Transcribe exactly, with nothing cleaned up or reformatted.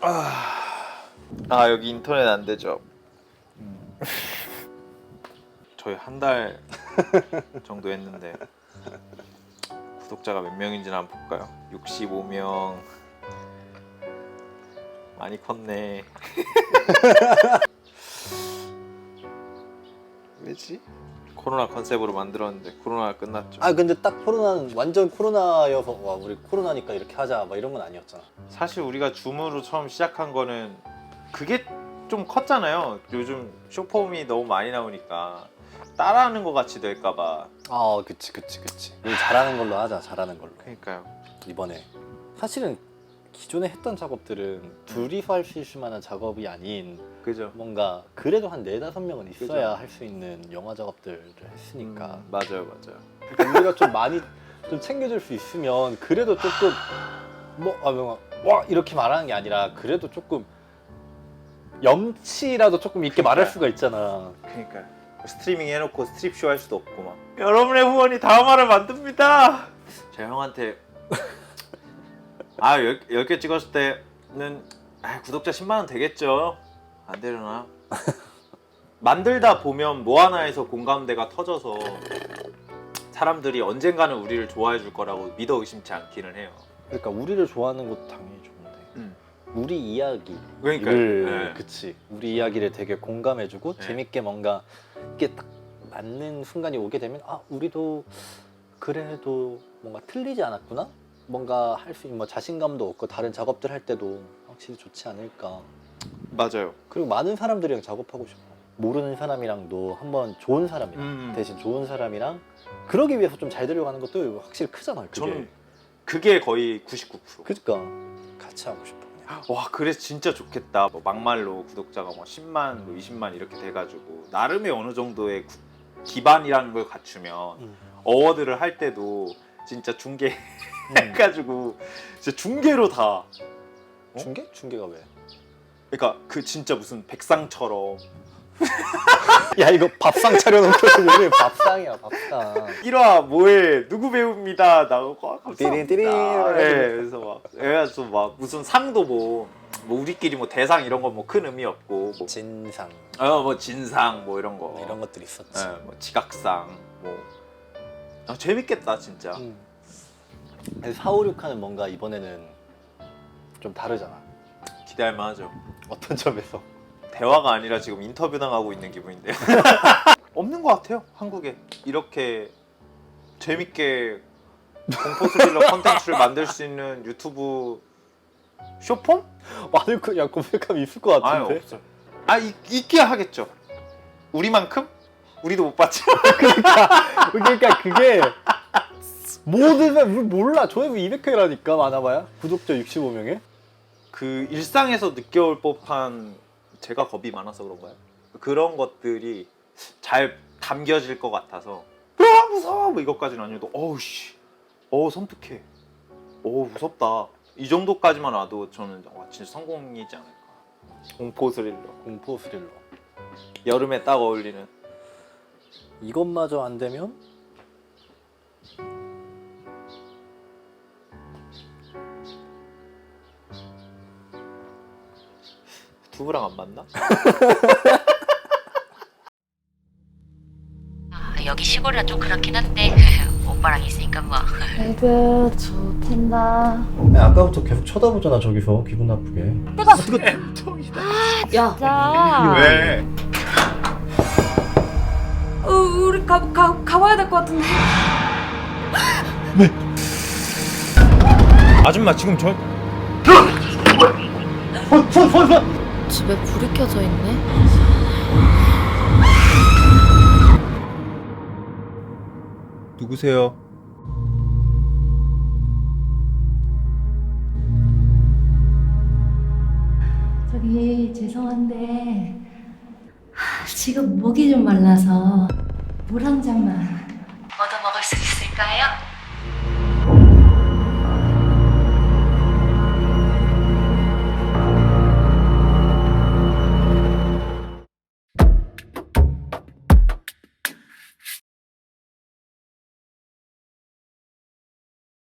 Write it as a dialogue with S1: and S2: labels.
S1: 아, 아 여기 인터넷 안 되죠? 음. 저희 한 달 정도 했는데 구독자가 몇 명인지는 한번 볼까요? 육십오 명. 많이 컸네. 왜지? 코로나 컨셉으로 만들었는데 코로나가 끝났죠.
S2: 아 근데 딱 코로나는 완전 코로나여서 와 우리 코로나니까 이렇게 하자 막 이런 건 아니었잖아.
S1: 사실 우리가 줌으로 처음 시작한 거는 그게 좀 컸잖아요. 요즘 쇼폼이 너무 많이 나오니까 따라하는 것 같이 될까봐.
S2: 아 그치 그치 그치. 우리 잘하는 걸로 하자. 잘하는 걸로.
S1: 그러니까요.
S2: 이번에 사실은 기존에 했던 작업들은 둘이서 할 수 있을 만한 작업이 아닌
S1: 그죠.
S2: 뭔가 그래도 한 네다섯 명은 있어야
S1: 그죠.
S2: 할 수 있는 영화 작업들을 했으니까
S1: 음, 맞아요, 맞아요.
S2: 그러니까 우리가 좀 많이 좀 챙겨줄 수 있으면 그래도 조금 뭐 아, 뭔가 와 이렇게 말하는 게 아니라 그래도 조금 염치라도 조금 있게 말할 수가 있잖아.
S1: 그러니까 스트리밍 해놓고 스트립쇼 할 수도 없고 막. 여러분의 후원이 다음화를 만듭니다. 제가 형한테 아 열 개 찍었을 때는 아, 구독자 십만 원 되겠죠. 안 되려나? 만들다 보면 뭐 하나에서 공감대가 터져서 사람들이 언젠가는 우리를 좋아해 줄 거라고 믿어 의심치 않기는 해요.
S2: 그러니까 우리를 좋아하는 것도 당연히 좋은데
S1: 음.
S2: 우리 이야기를
S1: 그러니까요. 네.
S2: 그치 우리 이야기를 되게 공감해주고
S1: 네.
S2: 재밌게 뭔가 이게 딱 맞는 순간이 오게 되면 아 우리도 그래도 뭔가 틀리지 않았구나 뭔가 할 수 있는 뭐 자신감도 얻고 다른 작업들 할 때도 확실히 좋지 않을까.
S1: 맞아요.
S2: 그리고 많은 사람들이랑 작업하고 싶어. 모르는 사람이랑도 한번 좋은 사람이랑
S1: 음.
S2: 대신 좋은 사람이랑 그러기 위해서 좀 잘 되려고 하는 것도 확실히 크잖아. 그게.
S1: 저는 그게 거의 구십구 퍼센트.
S2: 그러니까 같이 하고 싶어. 그냥.
S1: 와 그래서 진짜 좋겠다. 뭐 막말로 구독자가 뭐 십만, 뭐 이십만 이렇게 돼가지고 나름의 어느 정도의 구, 기반이라는 걸 갖추면
S2: 음.
S1: 어워드를 할 때도 진짜 중계
S2: 음.
S1: 해가지고 진짜 중계로 다. 어?
S2: 중계? 중계가 왜?
S1: 그러니까 그 진짜 무슨 백상처럼
S2: 야 이거 밥상 차려놓고 왜 밥상이야 밥상.
S1: 일 화 뭐해 누구 배우입니다 나오고
S2: 띠린 띠린
S1: 네, 그래서 막 그래서 막 무슨 상도 뭐, 뭐 우리끼리 뭐 대상 이런 거 뭐 큰 의미 없고 뭐
S2: 진상
S1: 어 뭐 진상 뭐 이런 거
S2: 뭐 이런 것들 있었지.
S1: 네, 뭐 지각상 뭐 아, 재밌겠다 진짜.
S2: 음. 사오육하는 뭔가 이번에는 좀 다르잖아.
S1: 기대할 만하죠.
S2: 어떤 점에서?
S1: 대화가 아니라 지금 인터뷰 당하고 있는 기분인데요. 없는 것 같아요 한국에 이렇게 재밌게 공포 스릴러 컨텐츠를 만들 수 있는 유튜브 쇼폼?
S2: 많을 거야 검색하면 있을 것
S1: 아니
S2: 같은데.
S1: 없어요. 아 있, 있게 하겠죠. 우리만큼? 우리도 못 봤죠.
S2: 그러니까 그게 모든 우리 몰라. 조회수 이백 회라니까 많아봐야 구독자 육십오 명에.
S1: 그 일상에서 느껴올 법한 제가 겁이 많아서 그런가요? 그런 것들이 잘 담겨질 것 같아서 아 무서워 뭐 이것까지는 아니어도 어우 씨 어우 섬뜩해 어우 무섭다 이 정도까지만 와도 저는 와 진짜 성공이지 않을까. 공포 스릴러
S2: 공포 스릴러.
S1: 여름에 딱 어울리는.
S2: 이것마저 안 되면
S1: 두부랑 안 맞나?
S3: 아, 여기 시골이라 좀 그렇긴 한데 오빠랑 있으니까 뭐.
S4: 에그 좋텐다.
S2: 야, 아까부터 계속 쳐다보잖아 저기서 기분 나쁘게.
S4: 내가
S1: 야
S4: 진짜
S1: 왜?
S4: 어, 우리 가, 가, 가봐야 될 것 같은데.
S1: 아줌마 지금 저
S4: 집에 불이 켜져 있네.
S1: 누구세요?
S4: 저기 죄송한데 하, 지금 목이 좀 말라서 물 한 잔만.